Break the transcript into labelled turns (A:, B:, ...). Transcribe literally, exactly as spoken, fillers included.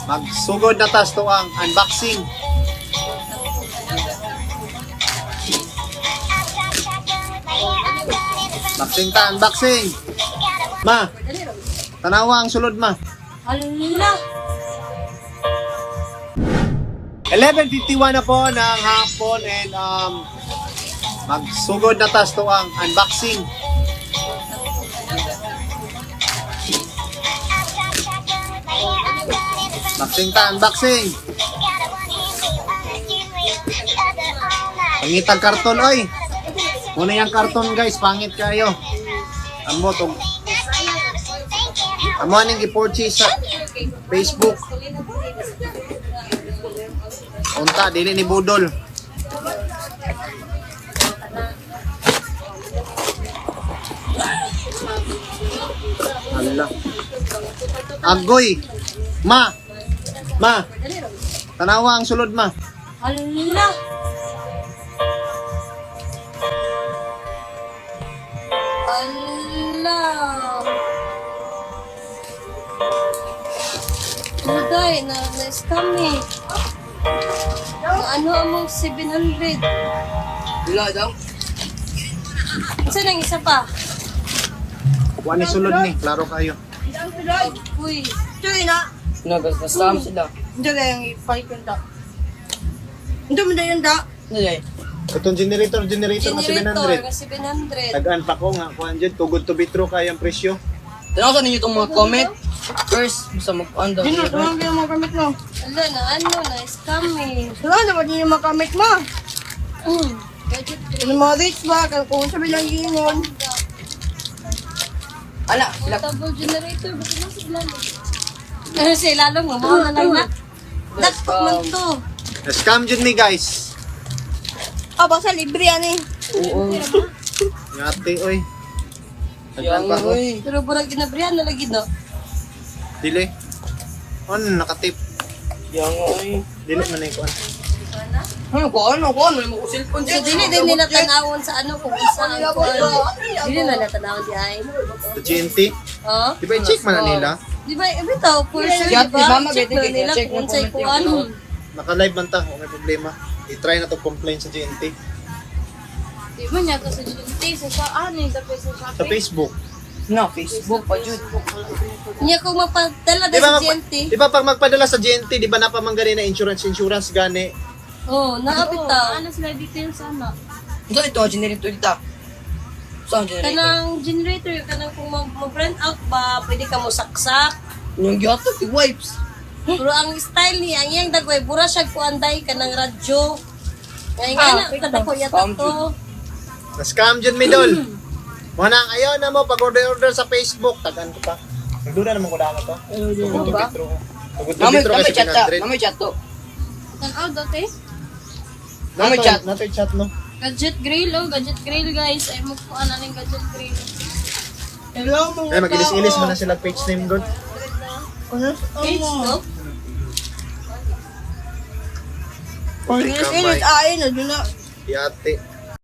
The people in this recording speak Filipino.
A: Magsugod na tas to ang unboxing. Unboxing ta, unboxing. Ma, tanawa ang sulod ma.
B: Hala!
A: eleven fifty-one na po ng hapon and um, magsugod na tas to ang unboxing. Unboxing ta, unboxing. Pangitag karton, oy. Muna yung karton guys, pangit kayo. Amo to. Amo aning i-purchase sa Facebook. Unta, dili ni Budol. Hala. Agoy. Ma. Ma. Tanawa ang sulod ma.
B: Hala! Hala! Ano day? Na, na-scam eh. Ang ano among seven hundred?
C: Wala daw.
B: Saan ang isa pa?
A: Kuha ni sulod ni, klaro kayo.
B: Uy,
D: Cuy na.
C: Nagasasam sila.
D: Hindi na yung ipalit yung da. Hindi mo na yung da.
C: Nalay.
A: Itong generator, generator na seven
B: generator
A: hundred.
B: na seven hundred.
A: Tagaan pa ko nga, kuha dyan, tugod to bitro kayang presyo.
C: Tanaw sa ninyo itong mga comment. First, basta mag-on daw.
D: Dino, tumang yung mga kamit mo.
B: Hala, na ano, na-scam eh.
D: Wala naman din yung mga kamit mo.
B: Mm. Gadget
D: Yung mga rich ba, kung sabi lang yun.
C: Ala, sila.
B: portable generator, bakit na sila? Ano siya, lalong mo, mga lang na. Dakot man to.
A: Na-scam dyan ni guys.
D: Ah, basta libre yan eh.
C: Oo.
A: Ngati, oy. Tagaan
C: Yang,
A: pa ko.
C: uy.
B: Pero burag ginabrihan na lagi, no?
A: Dili. On, nakatip.
C: Yang, uy.
A: Dili man na yung kuha.
C: Ano ko, ano ko, ano mo ko cellphone
B: So, dili din nila tanawon sa ano kung isa ang kuwan. Dili na natanawon di ay.
A: Sa G N T.
B: Oh?
A: Di ba i-check man na nila?
B: Di ba, eh, bitaw, for sure,
C: Yeah,
B: di ba?
C: di ba, mag-
B: Check na
C: check
B: nila
C: na
B: kung
C: comment
B: sa'y
C: yung
B: kuwan.
C: ano.
A: Naka-live man ta, kung may problema. I-try na to complain sa G N T.
E: Di ba niya to sa G N T, sa saan eh, tapos sa
A: Sa
E: shopping.
A: Facebook.
C: Na, Facebook pa, Jud.
B: Niya kung mapadala
A: Di
B: na
A: ba,
B: sa G
A: magpa-
B: N T.
A: di ba pag magpadala sa G N T, di ba napamang gani na insurance, insurance gani?
B: Oh,
E: Oo,
B: nakapitaw.
E: ano sila details ano?
C: Ito ito, generator dito. Saan generator?
B: Kanang generator, kanang kung ma- ma-brand out ba, pwede ka mo saksak.
C: Yung gyatag, yung wipes.
B: Pero ang style niya, ang iyang dagway, bura siya kuanday ka ng radyo. Ngayon nga
D: Ah,
B: na, kada ko yata
C: Scam
B: to.
A: Na-scam dyan, Midol. Muna, ayaw na mo, pag-order-order sa Facebook, tagan ko pa. Nagduda naman ko na to. Tugod to
C: ba?
A: bitro. Tugod to
C: Namoy,
A: bitro
C: namoy
A: kasi
C: chat ta.
A: seven hundred.
C: Namoy chat to.
E: Tanaw dati?
C: Namoy
A: Nato-
C: chat.
A: nato yung chat, no?
E: Gadget grill, oh, gadget grill guys. Ay mo po ano ng gadget grill.
D: Hello mga
A: Ay, mag-ilis-ilis mo na sila page name, God.
B: Page, no?
D: Pag ilis-ilis, ay, na doon na.
A: Di ate.